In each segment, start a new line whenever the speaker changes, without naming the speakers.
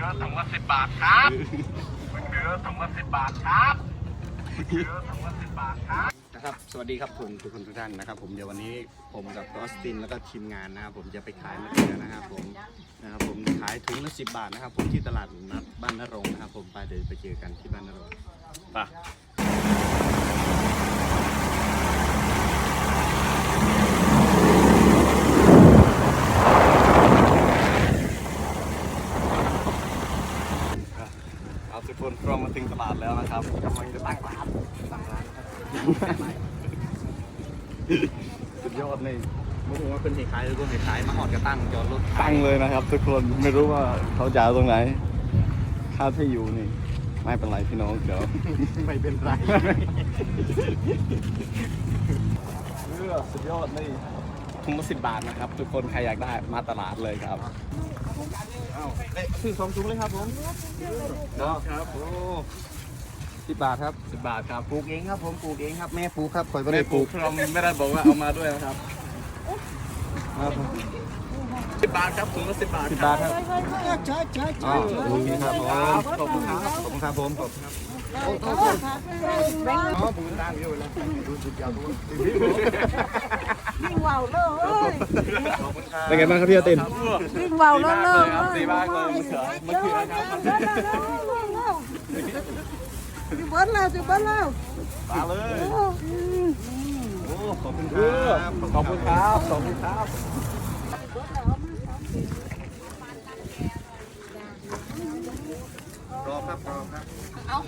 ถุงละ10 บาทครับมะเขือถุงละ10 บาทครับมะเขือถุงละ10 บาทครับ
นะครับสวัสดีครับทุกคนทุกท่านนะครับผมเดี๋ยววันนี้ผมกับออสตินแล้วก็ทีมงานนะครับผมจะไปขายมะเขือนะครับผมขายถุงละ10 บาทนะครับผมที่ตลาดนัดบ้านนรงค์นะครับผมไปเดินไปเจอกันที่บ้านนรงค์ไปทุกคนพร้อมมาถึงตลาดแล้วนะครับกำลังจะตั้งร้านสุดยอดเลยไม่รู้ว่าเป็นเหตุขายหรือว่าเหตุขายมาหอดกระตั้งจอดรถตั้งเลยนะครับทุกคนไม่รู้ว่าเขาจะเอาตรงไหนค่าที่อยู่นี่ไม่เป็นไรพี่น้องเดี๋ยวไม่เป็นไรสุดยอดเลยถุงละ10 บาทนะครับทุกคนใครอยากได้มาตลาดเลยครับซื้อ2 ถุงเลยครับผมครับโอ้10 บาทครับ10 บาทครับปลูกเองครับผมปลูกเองครับแม่ปลูกครับคอยไม่ได้ปลูกเราไม่ได้บอกว่าเอามาด้วยนะครับครับผม10 บาทครับถุงละ10 บาท10 บาทครับอ๋อโอเคครับขอบคุณครับขอบคุณครับผมขอบคุณครับอ๋อผมตั้งอยู่แล้วดูสุดยอดทุกคน
วิ่งว่าวเลย
เป็นไงบ้างครับพี่อาติน
วิ่งว่าวเลย
ดีมากเลยมะเขือครับ
จุบเบิ้ลแล้วจุบเบิ้ลแล้ว
มาเลยโอ้ขอบคุณครับขอบคุณครับขอบคุณครับรอครับเอา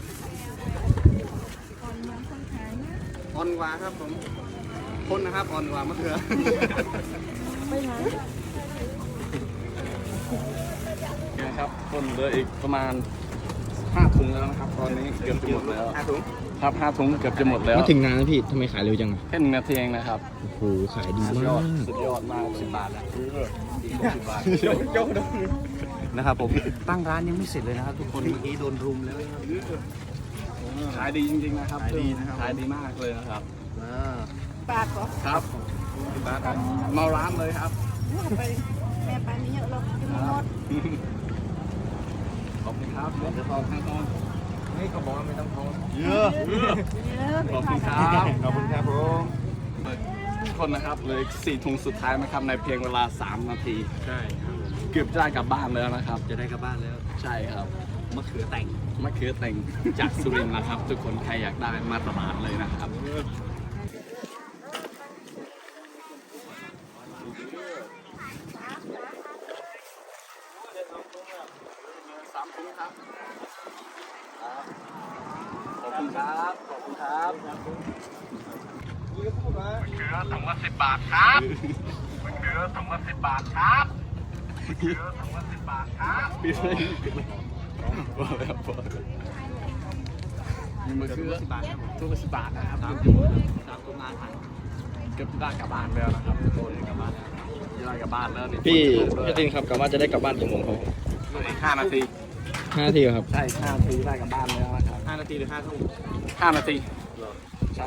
ออนวาครับผมคนนะครับออนวามะเขือ
ไปไหน
นะครับต้นเหลืออีกประมาณ5 ถุงแล้วนะครับตอนนี้เกือบจะหมดแล้ว5 ถุงครับ5 ถุงเกือบจะหมดแล้ว
ไม่ถึงนานนะพี่ทำไมขายเร็วจัง
แค่1 นาทีเองนะครับ
โอ้โหขายดีมาก
สุดยอดมาก10 บาทแล้ว10 บาทยกนะครับผมตั้งร้านยังไม่เสร็จเลยนะครับทุกคนเมื่อกี้โดนรุมแล้วขายดีจริงๆนะครับขายดีนะครับขายดีมากเลยนะครับ
ปากเหรอ
ครับ10 บาทครับเมาร้านเลยครับ
ไปแม่ไปนี่เยอะเลยกินหมด
ขอบคุณครับเดี๋ยวทองทองนี่เขาบอกว่าไม่ต้องทองเยอะขอบคุณครับขอบคุณครับผมทุกคนนะครับเลย4 ถุงสุดท้ายนะครับในเพียงเวลา3 นาทีใช่ครับเกือบจะได้กลับบ้านแล้วนะครับจะได้กลับบ้านแล้วใช่ครับมะเขือแต่งจากสุรินทร์นะครับทุกคนใครอยากได้มาตลาดเลยนะครับ3 ถุงครับขอบคุณครับขอบคุณครับ
มะเขือถุงละ10 บาทครับมะเขือถุงละ10 บาทครับมะเขือถุงละ10 บาทครับ
ปิดเลยพอแล้วมีมะเขือ10 บาทถุงละ10 บาทนะครับ3 ถุงงานเกือบได้กลับบ้านแล้วนะครับโดนกลับบ้านจะได้กลับบ้านแล้วนี่
พี่ตินครับกะว่าจะได้กลับบ้านกี่โมงครับ
5 นาที
5 นาทีครับ
ใช่5 นาทีได้กลับบ้านแล้วนะครับ5 นาทีหรือ5 ทุ่ม5 นาทีใช่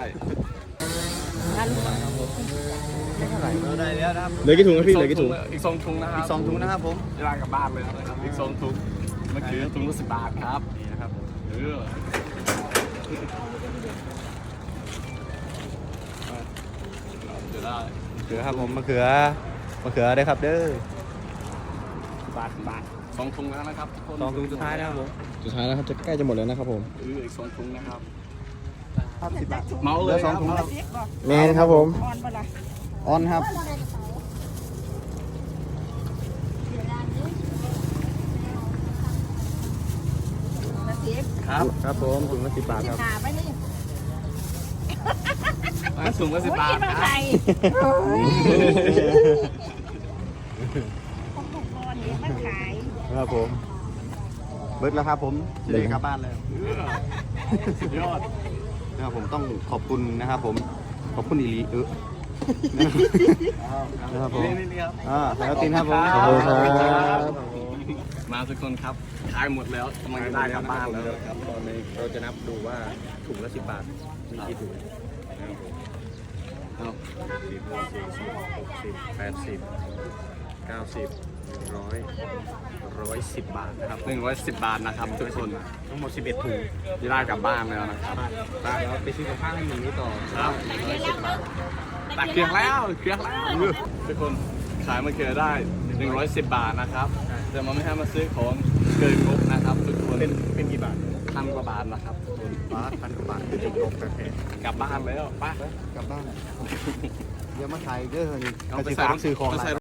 ได้แล้วนะครับ
เหลือกี่ถุงครับพี่เหลือกี่ถุง
อีก2 ถุงนะครับอีก2 ถุงนะครับผมจะได้กลับบ้านเลยนะครับอีก2 ถุงมะเขือถุงละ10 บาทครับนี่นะครับเดี๋ยวได้มะเขือครับผมมะเขือได้ครับเด้อบาท2 ถุงแล้วนะครับ2 ถุงสุดท้ายนะครับผม
สุดท้ายแล้วครับจะใกล้จะหมดแล้วนะครับผม
อีก2 ถุงนะครับ10 บาทเมาเลย2 ถุง
แมนครับผม
ออนครับครับผมถุงละ10 บาทครับถุงละ10 บาทครับครับผมเบิร์ดแล้วครับผมจะได้กลับบ้านแล้วสุดยอดนะครับผมต้องขอบคุณนะครับผมขอบคุณอีลีนะครับผมแล้วตินครับผม
ขอบคุณครับ
มาทุกคนครับขายหมดแล้วกำลังจะได้กลับบ้านแล้วครับตอนนี้เราจะนับดูว่าถุงละ10 บาทมีกี่ถุง10 20 30 40 80 90 110 บาทนะครับ110 บาทนะครับทุกคน
ทั้งหมด 11 ถุง
ที่ได้กลับบ้านแล้วนะครับ
บ้านแล้วไปซื้อกับข้าวให้หมีต่อ
ครับตักเกลือแล้วทุกคนขายมะเขือได้ 110 บาทนะครับแต่มันไม่ให้มาซื้อของเกินงบนะครับทุกคน
เป็นกี่บาท
พันกว่าบาทนะครับทุกคน
บาทพันกว่าบาทคือจุดลงแต่แพง
กลับบ้านแล้วไป้าก
ลับบ้าน เดี๋ยวมาถ่ายเด้อนี่
เอา
ไป
ไป
ซื้อ
ใส่
ของซื้อของ
ไป
อะไร
ใส่